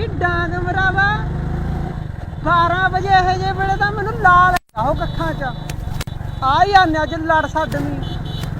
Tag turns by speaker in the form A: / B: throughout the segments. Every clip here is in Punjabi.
A: ਨੀ ਡਾਂਗ ਮਰਾਵਾ 12 ਵਜੇ ਇਹ ਜੇ ਵੇਲੇ ਤਾਂ ਮੈਨੂੰ ਲਾਲ ਆਹੋ ਕੱਖਾਂ 'ਚ ਆ ਹੀ ਆਨੇ ਅੱਜ ਲੜ ਛੱਡਵੀਂ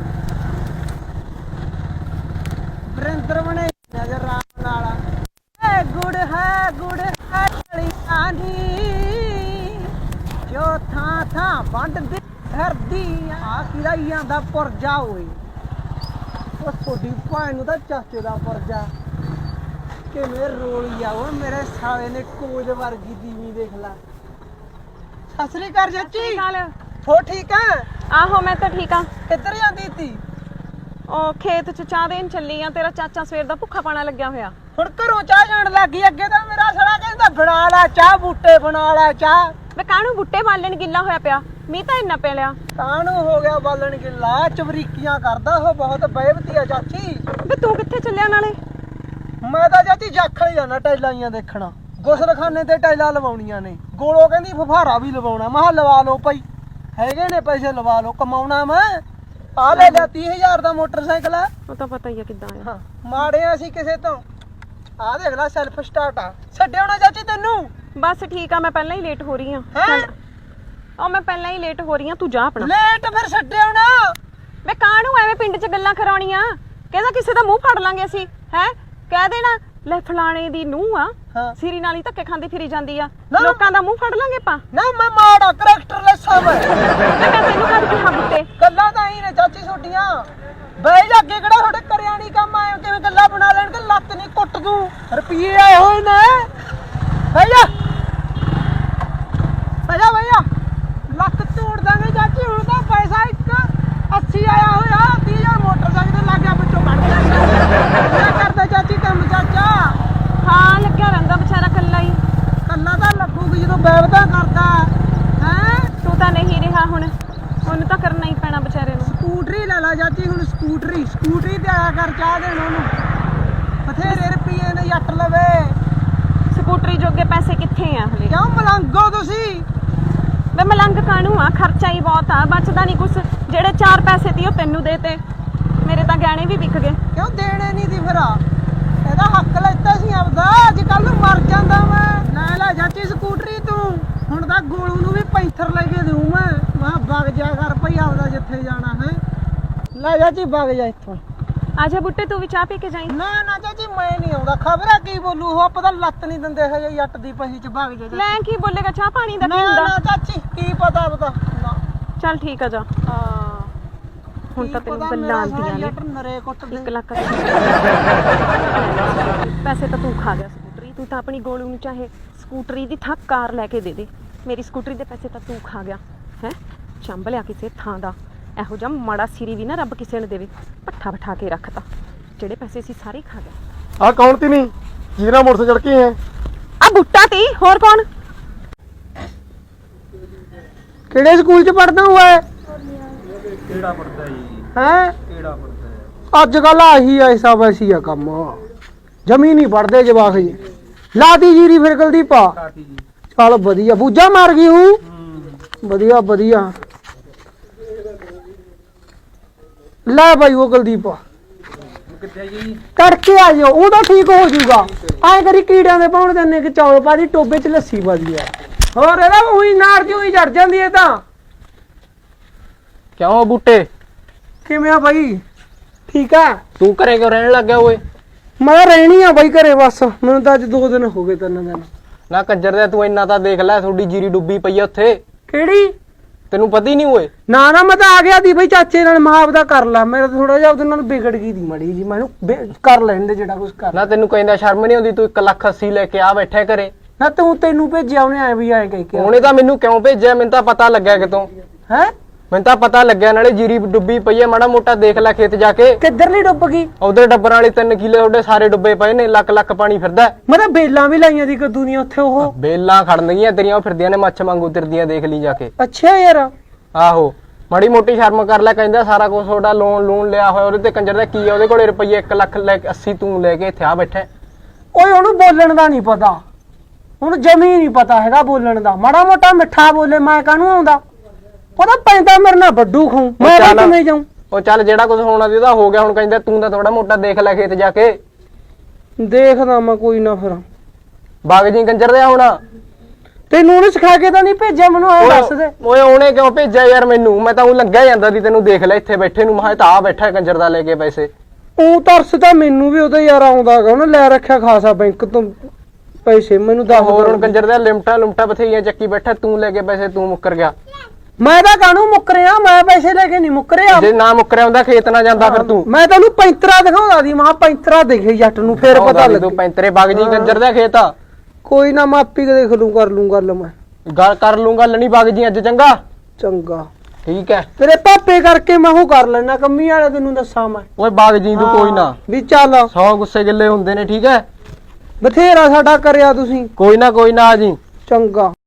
A: ਵਰਿੰਦਰ ਬਣੇ ਨਜ਼ਰ ਰਾਮ ਨਾਲ ਏ ਗੁੜ ਹੈ ਕਲੀਆਂ ਦੀ ਜੋ ਥਾਂ ਥਾਂ ਵੰਡਦੀ ਫਿਰਦੀ ਆ ਕਿਹਦਾ ਹੀ ਆਂਦਾ ਪੁਰਜਾ ਓਏ ਉਹ ਤੁਹਾਡੀ ਭੈਣ ਨੂੰ ਤਾਂ ਚਾਚੇ ਦਾ ਪੁਰਜਾ ਕਿਵੇਂ ਰੋਲੀ ਆ ਉਹ ਮੇਰੇ ਸਾਲੇ ਨੇ ਕੋਜ ਵਰਗੀ ਦੀਵੀਂ ਦੇਖ ਲਾ ਸਤਿ ਸ੍ਰੀ ਅਕਾਲ ਚਾਚੀ ਹੋ ਠੀਕ ਆ
B: ਆਹੋ ਮੈਂ ਤਾਂ ਠੀਕ ਆ
A: ਕਿੱਧਰ ਜਾਂਦੀ ਤੀ
B: ਉਹ ਖੇਤ ਚ ਚਾਹ ਦੇਣ ਚੱਲੀ ਆ ਤੇਰਾ ਚਾਚਾ ਸਵੇਰ ਦਾ ਭੁੱਖਾ ਪਾਣਾ ਲੱਗਿਆ ਹੋਇਆ
A: ਹੁਣ ਘਰੋਂ ਚਾਹ ਜਾਣ ਲੱਗੀ ਅੱਗੇ ਤਾਂ ਮੇਰਾ ਸਾਲਾ ਕਹਿੰਦਾ ਬਣਾ ਲੈ ਚਾਹ ਬੂਟੇ ਬਣਾ ਲੈ ਚਾਹ
B: ਵੇ ਕਾਹਨੂੰ ਬੁੱਟੇ ਬਾਲਣ ਗਿੱਲਾ ਹੋਇਆ ਪਿਆ ਮੀਂਹ ਤਾਂ ਇੰਨਾ ਪੈ ਲਿਆ
A: ਕਾਹਨੂੰ ਹੋ ਗਿਆ ਬਾਲਣ ਗਿੱਲਾ ਚਵਰੀਕੀਆਂ ਕਰਦਾ ਉਹ ਬਹੁਤ ਬੇਵਤੀ ਆ ਚਾਚੀ
B: ਵੇ ਤੂੰ ਕਿੱਥੇ ਚੱਲਿਆ ਨਾਲੇ
A: ਮੈਂ ਤਾਂ ਚਾਚੀ ਜਾਖਲ ਜਾਣਾ ਟੈਲਾਈਆਂ ਦੇਖਣਾ ਗੁਸਲਖਾਨੇ ਤੇ ਟੈਲਾਂ ਲਵਾਉਣੀਆਂ ਨੇ ਗੋਲੋ ਕਹਿੰਦੀ ਫਫਾਰਾ ਵੀ ਲਵਾਉਣਾ ਮੈਂ ਕਿਹਾ ਲਵਾ ਲਓ ਭਾਈ ਹੈਗੇ ਨੇ ਪੈਸੇ ਲਵਾ ਲਓ ਕਮਾਉਣਾ ਮੈਂ ਆ ਲੈ ਲਿਆ 30,000 ਦਾ ਮੋਟਰਸਾਈਕਲ ਆ
B: ਉਹ ਤਾਂ ਪਤਾ ਹੀ ਆ ਕਿੱਦਾਂ ਆ
A: ਹਾਂ ਮਾੜੇ ਆ ਅਸੀਂ ਕਿਸੇ ਤੋਂ ਆ ਦੇਖ ਲੈ ਸੈਲਫ ਸਟਾਰਟ ਆ ਛੱਡਿਓ ਨਾ ਚਾਚੀ ਤੈਨੂੰ
B: ਬਸ ਠੀਕ ਆ ਮੈਂ ਪਹਿਲਾਂ ਹੀ ਲੇਟ ਹੋ ਰਹੀ ਆ ਉਹ ਮੈਂ ਪਹਿਲਾਂ ਹੀ ਲੇਟ ਹੋ ਰਹੀ ਆ ਤੂੰ ਜਾ ਆਪਣਾ
A: ਲੇਟ ਫਿਰ ਛੱਡਿਓ ਨਾ
B: ਵੇ ਕਾਹਨੂੰ ਐਵੇਂ ਪਿੰਡ 'ਚ ਗੱਲਾਂ ਕਰਾਉਣੀਆਂ ਕਹਿੰਦਾ ਕਿਸੇ ਦਾ ਮੂੰਹ ਫੜ ਲਾਂਗੇ ਅਸੀਂ ਹੈ ਕਹਿ ਦੇਣਾ ਲੈ ਫਲਾਣੇ ਦੀ ਨੂੰਹ ਆ ਸਿਰੀ ਨਾਲ ਹੀ ਧੱਕੇ ਖਾਂਦੀ ਫਿਰੀ ਜਾਂਦੀ ਆ ਲੋਕਾਂ ਦਾ ਮੂੰਹ ਫੜ ਲਾਂਗੇ ਆਪਾਂ
A: ਨਾ ਮੈਂ ਮਾੜਾ ਕਰੈਕਟਰਲੈਸ ਆ ਮੈਂ
B: ਤੈਨੂੰ ਕਦ ਕਿਹਾ ਬੁੱਤੇ
A: ਗੱਲਾਂ ਤਾਂ ਹੀ ਨੇ ਚਾਚੀ ਛੋਟੀਆਂ ਬਈ ਜਾ ਅੱਗੇ ਕਿਹੜਾ ਤੁਹਾਡੇ ਕਰਿਆ ਨਹੀਂ ਕੰਮ ਆਏ ਕਿਵੇਂ ਗੱਲਾਂ ਬਣਾ ਲੈਣਗੇ ਲੱਤ ਨਹੀਂ ਕੁੱਟ ਦੂੰ ਰੁਪਈਏ ਆਏ ਹੋਏ ਨੇ ਭਈਆ ਭਈਆ ਲੱਤ ਤੋੜ ਦਾਂਗੇ ਚਾਚੀ ਹੁਣ ਤਾਂ ਪੈਸਾ ਇੱਕ 80 ਆਇਆ ਹੋਇਆ 30,000 ਮੋਟਰਸਾਈਕਲ ਤੇ ਲੱਗ ਗਿਆ ਵਿੱਚੋਂ ਕੱਢ ਗਿਆ ਕਰਦਾ ਚਾਚੀ ਕੰਮ ਚਾਚਾ
B: ਹਾਂ ਲੱਗਿਆ ਰਹਿੰਦਾ ਵਿਚਾਰਾ ਕੱਲਾ ਹੀ
A: ਕੱਲਾ ਤਾਂ ਲੱਗੂਗੀ ਜਦੋਂ ਬੈਵਦਾ ਕਰਦਾ ਹੈ
B: ਤੂੰ ਤਾਂ ਨਹੀਂ ਰਿਹਾ ਹੁਣ ਉਹਨੂੰ ਤਾਂ ਕਰਨਾ ਹੀ ਪੈਣਾ ਵਿਚਾਰੇ ਨੂੰ
A: ਸਕੂਟਰੀ ਲੈ ਲਾ ਚਾਚੀ ਹੁਣ ਸਕੂਟਰੀ ਤੇ ਆਇਆ ਕਰ ਚਾਹ ਦੇਣ ਉਹਨੂੰ ਬਥੇਰੇ ਰੁਪਈਏ ਨੇ ਜੱਟ ਲਵੇ
B: ਸਕੂਟਰੀ ਜੋਗੇ ਪੈਸੇ ਕਿੱਥੇ ਆ ਹਲੇ
A: ਕਿਉਂ ਮਲੰਗੋ ਤੁਸੀਂ
B: ਵੇ ਮਲੰਗ ਕਾਹਨੂੰ ਆ ਖਰਚਾ ਹੀ ਬਹੁਤ ਆ ਬਚਦਾ ਨਹੀਂ ਕੁਛ ਜਿਹੜੇ 4 ਪੈਸੇ ਤੀ ਉਹ ਤੈਨੂੰ ਦੇਤੇ ਮੇਰੇ ਤਾਂ ਗਹਿਣੇ ਵੀ ਵਿਕ ਗਏ
A: ਕਿਉਂ ਦੇਣੇ ਨਹੀਂ ਦੀ ਫਿਰ ਇਹਦਾ ਹੱਕ ਲੈਤਾ ਸੀ ਆਪਦਾ ਅੱਜ ਕੱਲ ਮਰ ਜਾਂਦਾ ਮੈਂ ਲੈ ਚਾਚੀ ਸਕੂਟਰੀ ਤੂੰ ਹੁਣ ਤਾਂ ਗੋਲੂ ਨੂੰ ਵੀ ਪੈਂਥਰ ਲੈ ਕੇ ਦੇਉ ਮੈਂ ਵਗ ਜਾ ਕਰ ਭਈ ਆਪਦਾ ਜਿੱਥੇ ਜਾਣਾ ਹੈ ਲੈ ਚਾਚੀ ਵਗ ਜਾ ਇੱਥੋਂ
B: ਆਜਾ ਬੁੱਟੇ ਤੂੰ ਵੀ ਚਾਹ ਪੀ ਕੇ ਜਾਈਂ
A: ਨਾ ਚਾਚੀ ਮੈਂ ਨਹੀਂ ਆਉਂਦਾ ਖਬਰਾਂ ਕੀ ਬੋਲੂ ਉਹ ਪਤਾ ਲੱਤ ਨਹੀਂ ਦਿੰਦੇ ਹਜੇ ਜੱਟ ਦੀ ਪਹੀ ਚ ਵਗ ਜਾ
B: ਲੈ ਕੀ ਬੋਲੇਗਾ ਚਾਹ ਪਾਣੀ ਦਾ ਕੀ
A: ਨਾ
B: ਹੁੰਦਾ
A: ਚਾਚੀ ਕੀ ਪਤਾ ਨਾ
B: ਚੱਲ ਠੀਕ ਆ ਜਾ
A: ਹਾਂ
B: ਹੁਣ ਤਾਂ ਤੈਨੂੰ ਗੱਲਾਂ ਆਉਂਦੀਆਂ ਨੇ
A: ਨਰੇ ਕੁੱਟ ਦੇ
B: 1 ਲੱਖ ਪੈਸੇ ਤਾਂ ਤੂੰ ਖਾ ਗਿਆ ਸਕੂਟਰੀ ਤੂੰ ਤਾਂ ਆਪਣੀ ਗੋਲੂ ਨੂੰ ਚਾਹੇ ਸਕੂਟਰੀ ਦੀ ਥਾਂ ਕਾਰ ਲੈ ਕੇ ਦੇ ਦੇ ਮੇਰੀ ਸਕੂਟਰੀ ਦੇ ਪੈਸੇ ਤਾਂ ਤੂੰ ਖਾ ਗਿਆ ਹੈ ਚੰਬ ਲਿਆ ਕਿਸੇ ਥਾਂ ਦਾ ਇਹੋ ਜਿਹਾ ਮਾੜਾ ਸਿਰੀ ਵੀ ਨਾ ਰੱਬ ਕਿਸੇ ਨੂੰ ਦੇਵੇ ਪੱਠਾ ਬਿਠਾ ਕੇ ਰੱਖਤਾ ਜਿਹੜੇ ਪੈਸੇ ਸੀ ਸਾਰੇ ਖਾ ਗਿਆ
C: ਆ ਕੌਣ ਤੀ ਨਹੀਂ ਜਿਹਦੇ ਨਾਲ ਮੋਟਰਸਾਈਕਲ ਚੜ ਕੇ ਹੈ
B: ਆ ਬੁੱਟਾ ਤੀ ਹੋਰ ਕੌਣ
A: ਕਿਹੜੇ ਸਕੂਲ ਚ ਪੜਦਾ ਹੁਆ ਹੈ
C: ਕਿਹੜਾ ਪੜਦਾ ਜੀ
A: ਹੈ
C: ਕਿਹੜਾ ਪੜਦਾ
A: ਅੱਜ ਕੱਲ ਆਹੀ ਐਸਾ ਵੈਸੀ ਆ ਕੰਮ ਜਮੀ ਨਹੀਂ ਪੜਦੇ ਜਵਾਕ ਜੀ ਲਾਤੀ ਜੀਰੀ ਫਿਰ ਗਲਦੀ ਪਾ
C: ਕਾਤੀ ਜੀ
A: ਚੱਲ ਵਧੀਆ ਬੂਝਾ ਮਾਰ ਗਈ ਹੂੰ ਵਧੀਆ ਲੈ ਭਾਈ ਉਹ ਗਲਦੀਪ
C: ਕਿੱਥੇ ਜੀ
A: ਕਰਕੇ ਆ ਜਾਓ ਉਹ ਤਾਂ ਠੀਕ ਹੋ ਜਾਊਗਾ ਐ ਕਰੀ ਕੀੜਿਆਂ ਦੇ ਪਾਉਣ ਦਿੰਨੇ ਕਿ ਚੌਲ ਪਾ ਦੀ ਟੋਬੇ ਚ ਲੱਸੀ ਪਾ ਦੀ ਆ ਹੋਰ ਇਹਦਾ ਉਹੀ ਨਾਰ ਜੀ ਉਹੀ ਚੜ ਜਾਂਦੀ ਹੈ ਤਾਂ
C: ਕਿਉਂ ਬੂਟੇ
A: ਕਿਵੇਂ ਆ ਬਾਈ ਠੀਕ ਆ
C: ਤੂੰ ਘਰੇ ਕਿਉਂ ਰਹਿਣ ਲੱਗ ਗਿਆ ਓਏ
A: ਮੈਂ ਰਹਿਣੀ ਆ ਬਾਈ ਘਰੇ ਬਸ ਮੈਨੂੰ ਤਾਂ ਅੱਜ 2 ਦਿਨ ਹੋ ਗਏ 3 ਦਿਨ
C: ਨਾ ਕੰਜਰ ਦੇ ਤੂੰ ਇੰਨਾ ਤਾਂ ਦੇਖ ਲੈ ਤੁਹਾਡੀ ਜੀਰੀ ਡੁੱਬੀ ਪਈ ਆ ਉੱਥੇ
A: ਕਿਹੜੀ
C: ਤੈਨੂੰ ਪਤਾ ਹੀ ਨਹੀਂ ਓਏ
A: ਨਾ ਮੈਂ ਤਾਂ ਆ ਗਿਆ ਦੀ ਬਈ ਚਾਚੇ ਨਾਲ ਮਾਂ ਦਾ ਕਰ ਲਾ ਮੇਰਾ ਥੋੜਾ ਜਿਹਾ ਉਹਦੇ ਨਾਲ ਵਿਗੜ ਗਈ ਦੀ ਮੜੀ ਜੀ ਮੈਨੂੰ ਕਰ ਲੈਣ ਦੇ ਜਿਹੜਾ ਕੁਝ ਕਰ
C: ਨਾ ਤੈਨੂੰ ਕਹਿੰਦਾ ਸ਼ਰਮ ਨਹੀਂ ਆਉਂਦੀ ਤੂੰ 1,80,000 ਲੈ ਕੇ ਆ ਬੈਠਾ ਘਰੇ
A: ਨਾ ਤੈਨੂੰ ਭੇਜਿਆ ਉਹਨੇ ਐ ਵੀ ਐ ਕਹਿ ਕੇ
C: ਉਹਨੇ ਤਾਂ ਮੈਨੂੰ ਕਿਉਂ ਭੇਜਿਆ ਮੈਨੂੰ ਤਾਂ ਪਤਾ ਲੱਗਿਆ ਕਿਤੋਂ
A: ਹੈ
C: ਮੈਨੂੰ ਤਾਂ ਪਤਾ ਲੱਗਿਆ ਨਾਲੇ ਜੀਰੀ ਡੁੱਬੀ ਪਈ ਹੈ ਮਾੜਾ ਮੋਟਾ ਦੇਖ ਲੈ ਖੇਤ ਜਾ ਕੇ
A: ਕਿੱਧਰਲੀ ਡੁੱਬ ਗਈ
C: ਉਧਰ ਡੱਬਰਾਂ ਵਾਲੇ 3 ਕਿੱਲੇ ਤੁਹਾਡੇ ਸਾਰੇ ਡੁੱਬੇ ਪਏ ਨੇ ਲੱਖ ਪਾਣੀ ਫਿਰਦਾ
A: ਮੈਂ ਤਾਂ ਬੇਲਾਂ ਵੀ ਲਾਈਆਂ ਦੀ ਕਦੂ ਦੀਆਂ ਉੱਥੇ ਉਹ
C: ਬੇਲਾਂ ਖੜਨਗੀਆਂ ਤੇਰੀਆਂ ਉਹ ਫਿਰਦੀਆਂ ਨੇ ਮੱਛ ਵਾਂਗੂ ਤਿਰਦੀਆਂ ਦੇਖ ਲਈ ਜਾ ਕੇ
A: ਅੱਛਾ ਯਾਰ
C: ਆਹੋ ਮਾੜੀ ਮੋਟੀ ਸ਼ਰਮ ਕਰ ਲੈ ਕਹਿੰਦਾ ਸਾਰਾ ਕੁਝ ਤੁਹਾਡਾ ਲੋਨ ਲਿਆ ਹੋਇਆ ਉਹਦੇ ਤੇ ਕੰਜਰ ਦਾ ਕੀ ਆ ਉਹਦੇ ਕੋਲੇ ਰੁਪਈਏ 1,00,000 ਲੈ ਕੇ 80 ਤੂੰ ਲੈ ਕੇ ਇੱਥੇ ਆ ਬੈਠਾ
A: ਓਏ ਉਹਨੂੰ ਬੋਲਣ ਦਾ ਨਹੀਂ ਪਤਾ ਉਹਨੂੰ ਜਮੀ ਨਹੀਂ ਪਤਾ ਹੈਗਾ ਬੋਲਣ ਦਾ ਮਾੜਾ ਮੋਟਾ ਮਿੱਠਾ ਬੋਲੇ ਮੈਂ ਕਾਹਨੂੰ ਆਉਂਦਾ ਉਹਦਾ ਪੈਂਦਾ ਮੇਰੇ ਨਾਲ ਵੱਡੂ ਖਾਉ ਮੈਂ ਕਿਵੇਂ ਜਾਉਂ
C: ਉਹ ਚੱਲ ਜਿਹੜਾ ਕੁਝ ਹੋਣਾ ਸੀ ਉਹਦਾ ਹੋ ਗਿਆ ਹੁਣ ਕਹਿੰਦਾ ਤੂੰ ਤਾਂ ਥੋੜਾ ਮੋਟਾ ਦੇਖ ਲੈ ਖੇਤ ਜਾ ਕੇ
A: ਦੇਖਦਾ ਮੈਂ ਕੋਈ ਨਾ ਫਿਰ
C: ਬਾਗ ਜੀ ਕੰਜਰ ਦੇ ਹੁਣ
A: ਤੈਨੂੰ ਉਹਨੇ ਸਿਖਾ ਕੇ ਤਾਂ ਨਹੀਂ ਭੇਜਿਆ, ਮੈਨੂੰ ਐ ਦੱਸ ਦੇ।
C: ਓਏ ਉਹਨੇ ਕਿਉਂ ਭੇਜਿਆ ਯਾਰ ਮੈਨੂੰ? ਮੈਂ ਤਾਂ ਉਹ ਲੰਘਿਆ ਜਾਂਦਾ ਸੀ, ਤੈਨੂੰ ਦੇਖ ਲੈ ਇੱਥੇ ਬੈਠੇ ਨੂੰ, ਮੈਂ ਤਾਂ ਆ ਬੈਠਾ ਕੰਜਰ ਦਾ ਲੈ ਕੇ ਪੈਸੇ।
A: ਉਹ ਤਰਸ ਤਾਂ ਮੈਨੂੰ ਵੀ ਉਹਦਾ ਯਾਰ ਆਉਂਦਾ ਗਾ, ਉਹਨੇ ਲੈ ਰੱਖਿਆ ਖਾਸਾ ਬੈਂਕ ਤੋਂ ਪੈਸੇ। ਮੈਨੂੰ ਦੱਸ
C: ਹੋਰ ਹੁਣ ਕੰਜਰ ਦਾ ਲਿਮਟਾਂ ਬਥੇਰੀਆਂ ਚੱਕੀ ਬੈਠਾ, ਤੂੰ ਲੈ ਕੇ ਪੈਸੇ ਤੂੰ ਮੁੱਕਰ ਗਿਆ।
A: ਮੈਂ ਤਾਂ ਕਾਹਨੂੰ ਮੁੱਕਰਿਆ, ਮੈਂ ਪੈਸੇ ਲੈ ਕੇ ਨਹੀਂ ਮੁੱਕਰਿਆ।
C: ਜੇ ਨਾ ਮੁੱਕਰਿਆ ਹੁੰਦਾ ਖੇਤ ਨਾ ਜਾਂਦਾ ਫਿਰ ਤੂੰ।
A: ਮੈਂ ਤੈਨੂੰ ਪੈਂਤਰਾ ਦਿਖਾਉਂਦਾ ਸੀ, ਮਹਾ ਪੈਂਤਰਾ ਦਿਖੇ ਜੱਟ ਨੂੰ, ਫੇਰ ਪਤਾ
C: ਤੂੰ
A: ਲੱਗੂ।
C: ਪੈਂਤਰੇ ਬਾਗ ਜੀ ਕੰਜਰ ਦਾ ਖੇਤ ਆ।
A: ਕੋਈ ਨਾ, ਮੈਂ ਆਪੀ ਦੇਖ ਲੂੰ, ਕਰ ਲੂੰ ਗੱਲ ਮੈਂ।
C: ਗੱਲ ਕਰ ਲੂੰਗਾ, ਲਣੀ ਬਾਗ ਜੀ ਅੱਜ ਚੰਗਾ।
A: ਚੰਗਾ
C: ਠੀਕ ਹੈ।
A: ਤੇਰੇ ਪਾਪੇ ਕਰਕੇ ਮੈਂ ਉਹ ਕਰ ਲੈਣਾ, ਕੰਮੀ ਵਾਲੇ ਤੈਨੂੰ ਦੱਸਾਂ ਮੈਂ।
C: ਓਏ ਬਾਗ ਜੀ ਤੂੰ ਕੋਈ ਨਾ,
A: ਵੀ ਚੱਲ
C: 100 ਗੁੱਸੇ ਗਿੱਲੇ ਹੁੰਦੇ ਨੇ, ਠੀਕ ਹੈ।
A: ਬਥੇਰਾ ਸਾਡਾ ਕਰਿਆ ਤੁਸੀਂ।
C: ਕੋਈ ਨਾ ਆ ਜੀ।
A: ਚੰਗਾ।